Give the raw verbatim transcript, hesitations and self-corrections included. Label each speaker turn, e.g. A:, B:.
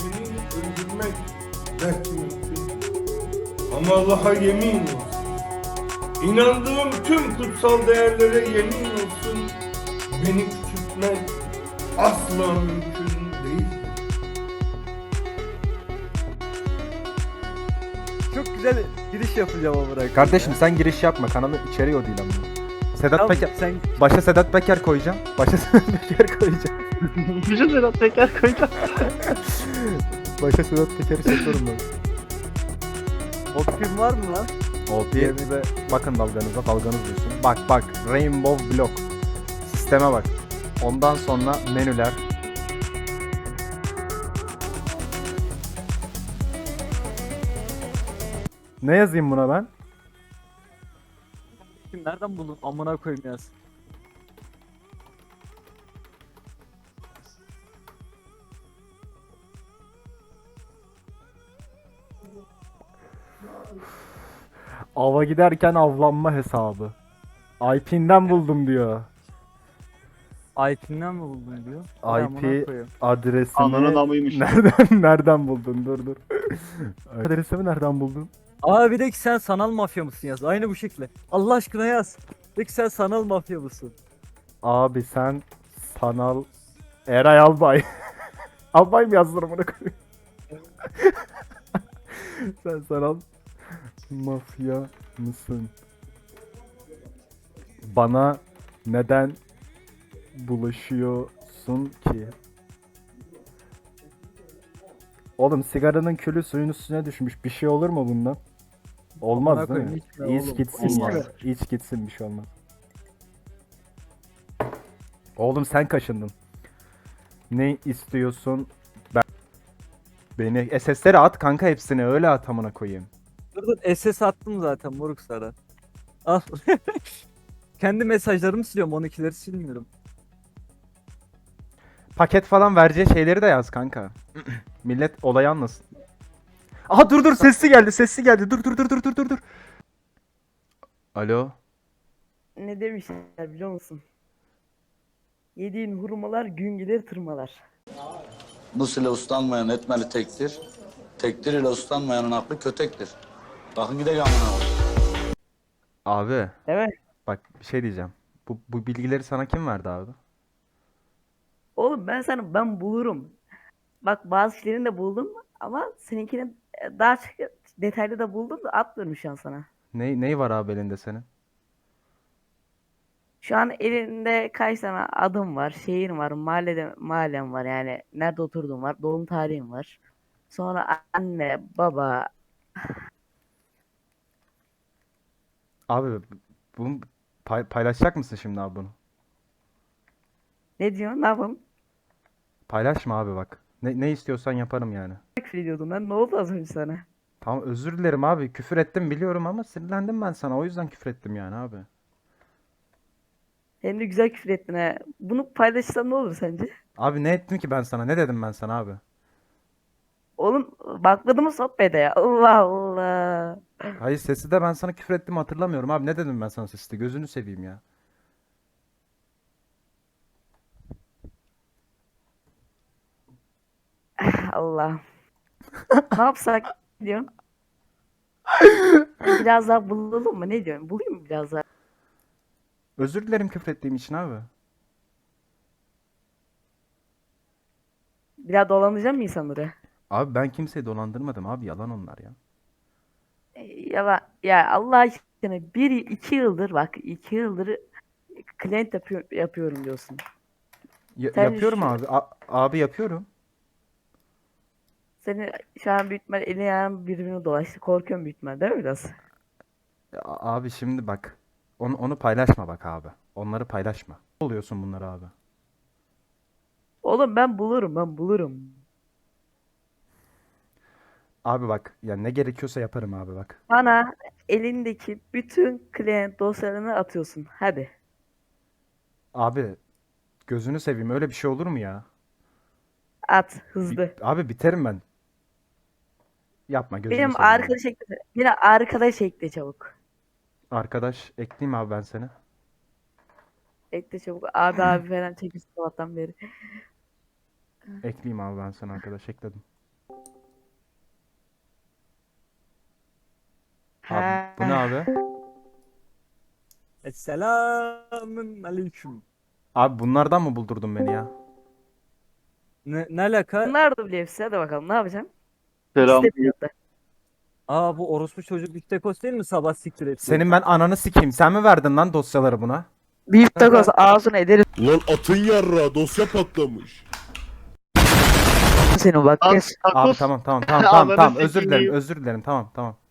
A: seni öldürmek belki mümkün. Ama Allah'a yemin olsun. İnandığım tüm kutsal değerlere yemin olsun. Beni küçültmek asla mümkün değil.
B: Çok güzel giriş yapacağım ama bırak.
C: Kardeşim sen giriş yapma. Kanalın içeriği o değil ama. Sedat
B: Tamam,
C: Peker.
B: sen
C: Başa Sedat Peker koyacağım. Başa Sedat Peker koyacağım.
B: Bütün Sedat Peker koyacağım.
C: Başa Sedat Peker'i seçiyorum ben.
B: O film var mı lan?
C: O P M'de bakın dalganıza, dalganız diyorsun. Bak bak, Rainbow Block. Sisteme bak. Ondan sonra menüler. Ne yazayım buna ben?
B: Kim nereden buldun? Amına koyayım yaz.
C: Ava giderken avlanma hesabı. I P'nden buldum diyor.
B: I P'nden mi buldun diyor. Vay
C: I
B: amına
C: P
B: koyayım.
C: adresini
D: Ananın amıymış.
C: nereden nereden buldun? Dur dur. Adresimi nereden buldun?
B: Aa bir de ki sen sanal mafya mısın yaz. Aynı bu şekilde. Allah aşkına yaz. De ki sen sanal mafya mısın?
C: Abi sen sanal Eray Albay. Albay mı yazdın bunu koyayım? Sen sanal mafya mısın? Bana neden bulaşıyorsun ki? Oğlum sigaranın külü suyun üstüne düşmüş. Bir şey olur mu bundan? Olmaz
B: Amına
C: değil mi?
B: koyayım, içme
C: İç
B: oğlum.
C: gitsin
B: İçme.
C: ya. İç gitsin, bir şey olmaz. Oğlum sen kaşındın. Ne istiyorsun? Ben beni S S'lere at kanka, hepsini öyle at amına koyayım.
B: Dur dur S S attım zaten moruk sana. Al. Kendi mesajlarımı siliyorum, onunkileri silmiyorum.
C: Paket falan vereceği şeyleri de yaz kanka. Millet olayı anlasın. Aha dur dur, sesli geldi sesli geldi. Dur dur dur dur dur dur dur. Alo.
E: Ne demişler biliyor musun? Yediğin hurmalar gün gelir tırmalar.
D: Bu ile uslanmayan etmeli tektir. Tektir ile uslanmayanın aklı kötektir. Bakın gidelim amına koyayım.
C: Abi
E: Evet.
C: bak bir şey diyeceğim. Bu, bu bilgileri sana kim verdi abi?
E: Oğlum ben sana ben bulurum. Bak bazı şeylerini de buldum ama seninkini e, daha çok detaylı da buldum da atmıyorum şu an sana.
C: Ne, neyi var abi elinde senin?
E: Şu an elinde kaç tane adım var, şehir var, mahallede mahallem var yani nerede oturduğum var, doğum tarihim var. Sonra anne, baba,
C: Abi bunu pay- paylaşacak mısın şimdi abi bunu?
E: ne diyorsun, ne yapalım?
C: Paylaşma abi bak. Ne, ne istiyorsan yaparım yani.
E: Küfür ediyordum ben, ne oldu az önce sana?
C: Tamam özür dilerim abi. Küfür ettim biliyorum ama sinirlendim ben sana. O yüzden küfür ettim yani abi.
E: Hem de güzel küfür ettin ha. Bunu paylaşsam ne olur sence?
C: Abi ne ettim ki ben sana? Ne dedim ben sana abi?
E: Oğlum bakmadı mı sohbete ya? Allah Allah.
C: Hayır sesi de ben sana küfür ettim hatırlamıyorum abi. Ne dedim ben sana sesi? Gözünü seveyim ya.
E: Allah. Ne yapsak diyorsun? Biraz daha bulalım mı? Ne diyorsun? Bulayım mı biraz daha?
C: Özür dilerim küfür ettiğim için abi.
E: Bir daha dolandıracağım mı insanları?
C: Abi ben kimseyi dolandırmadım abi. Yalan onlar ya.
E: E, Ya, ya Allah aşkına bir iki yıldır bak iki yıldır client yapıyor, yapıyorum diyorsun.
C: Ya-
E: Sen
C: yapıyorum
E: şu-
C: abi. A- abi yapıyorum.
E: Senin şu an büyük ihtimal elin ayağın birbirine dolaştı. Korkuyorum büyük ihtimal değil mi biraz?
C: Ya abi şimdi bak. Onu, onu paylaşma bak abi. Onları paylaşma. Ne oluyorsun bunları abi?
E: Oğlum ben bulurum ben bulurum.
C: Abi bak ya ne gerekiyorsa yaparım abi bak.
E: Bana elindeki bütün client dosyalarını atıyorsun. Hadi.
C: Abi gözünü seveyim öyle bir şey olur mu ya?
E: At
C: Bi-
E: hızlı.
C: abi biterim ben. Yapma gözünü
E: Benim
C: seveyim ya.
E: arkadaş ekle. Beni arkadaş ekle çabuk.
C: Arkadaş ekleyeyim abi ben seni.
E: Ekle çabuk. Abi abi falan çekiyorsun sabahtan beri.
C: Ekleyeyim abi ben seni arkadaş ekledim. Abi, bu ne abi?
B: Esselamun aleyküm.
C: Abi bunlardan mı buldurdun beni ya?
B: Ne, ne alaka?
E: Bunlar da bile hepsi. Hadi bakalım ne yapacaksın?
F: Selam.
E: İkisi de pilotta.
B: Aa bu orospu çocuk Biftekos değil mi? Sabah siktir etti.
C: Senin ben ananı sikeyim. Sen mi verdin lan dosyaları buna?
E: Büyük takoz ağzına ederim
G: Lan atın yarra dosya patlamış.
E: seni bak.
F: Lan
E: Kes.
C: Abi
F: takoz.
C: tamam tamam tamam tamam
F: Ananı
C: tamam özür
F: sikeyim.
C: dilerim özür dilerim tamam tamam.